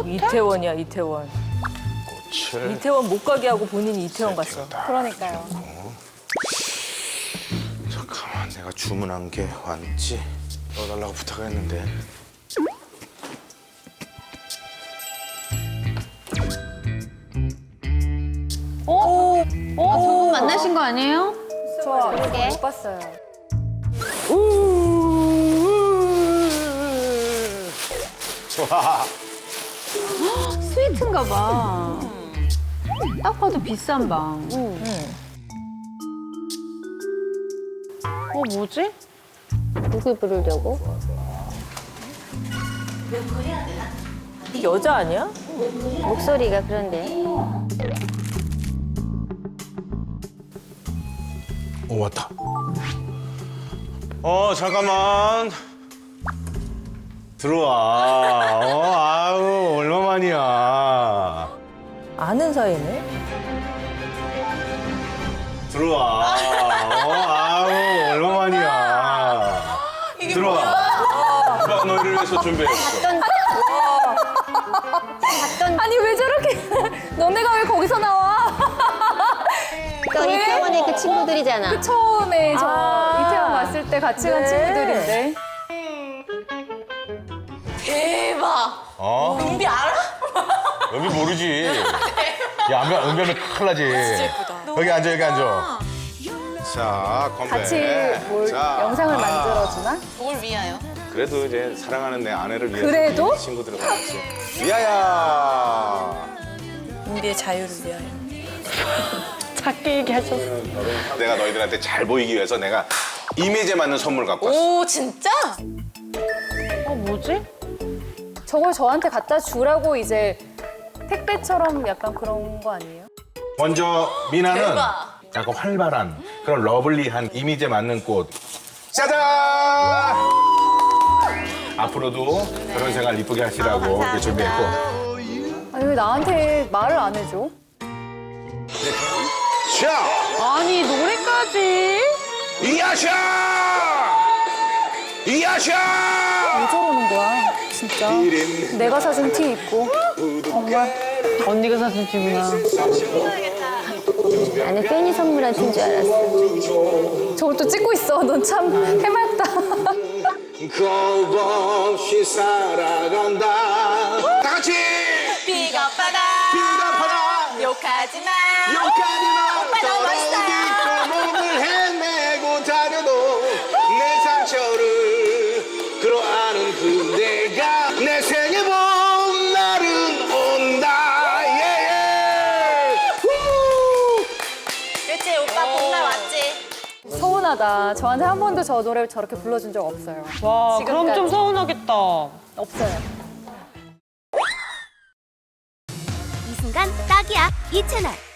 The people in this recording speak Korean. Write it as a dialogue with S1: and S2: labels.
S1: 이태원이야, 이태원.
S2: 꽃을
S1: 이태원 못 가게 하고 본인이 이태원 갔어.
S3: 그러니까요.
S2: 잠깐만, 내가 주문한 게 왔지? 넣어달라고 부탁을 했는데.
S4: 두 분 만나신 거 아니에요?
S3: 못 봤어요.
S2: 좋아.
S4: 스위트인가 봐. 딱 봐도 비싼 방. 뭐지?
S3: 누굴 부르려고?
S1: 여자 아니야?
S3: 목소리가 그런데.
S2: 오, 왔다. 잠깐만. 들어와. 아유, 얼마만이야.
S1: 아는 사이네?
S2: 들어와. 아유, 얼마만이야. 들어와. 오빠가 너희를 위해서 준비했어.
S3: 아니 왜 저렇게? 너네가 왜 거기서 나와?
S5: 또 이태원의 그 친구들이잖아.
S3: 처음에 저 이태원 왔을 때 같이 간 친구들인데.
S6: 대박.
S2: 은비 알아? 은비 모르지. 야, 은비하면 큰일 나지. 여기 앉아, 여기 앉아. 자, 건배.
S3: 같이 뭘 영상을 만들어주나?
S6: 뭘 위하여?
S2: 그래도 이제 사랑하는 내 아내를 위해서
S3: 그래도?
S2: 친구들과 같이. 위하여.
S6: 은비의 자유를 위하여.
S3: 작게 얘기하셨어.
S2: 내가 너희들한테 잘 보이기 위해서 내가 이미지에 맞는 선물 갖고 왔어.
S6: 오 진짜?
S4: 뭐지?
S3: 저걸 저한테 갖다 주라고 이제 택배처럼 약간 그런 거 아니에요?
S2: 먼저 미나는
S6: 대박.
S2: 약간 활발한 그런 러블리한 이미지에 맞는 꽃. 짜잔! 앞으로도 결혼 생활 이쁘게 하시라고 이렇게 준비했고.
S3: 아니 왜 나한테 말을 안 해줘?
S2: 샤!
S4: 아니 노래까지?
S2: 이야샤! 이야샤!
S3: 왜 저러는 거야? 진짜. 내가 사준 티 입고. 정말.
S4: 언니가 사준 티구나.
S5: 나는 팬이 선물한 티인 줄 알았어.
S3: 저걸 또 찍고 있어. 넌 참 해맑다.
S2: 겁 없이 살아간다. 다 같이!
S6: 비겁하다.
S2: 비겁하다!
S6: 욕하지 마.
S2: 욕하지 마!
S6: 오빠 너무 멋있어요.
S2: 몸을 헤매고 다녀도 내 상처를 끌어안은 그대가 내 생에 본 날은 온다. 예.
S6: 그렇지 오빠 봄날 왔지.
S3: 서운하다. 저한테 한 번도 저 노래 저렇게 불러준 적 없어요.
S4: 와 그럼
S3: 지금까지.
S4: 좀 서운하겠다.
S3: 없어요.
S7: 이 순간 딱이야 이 채널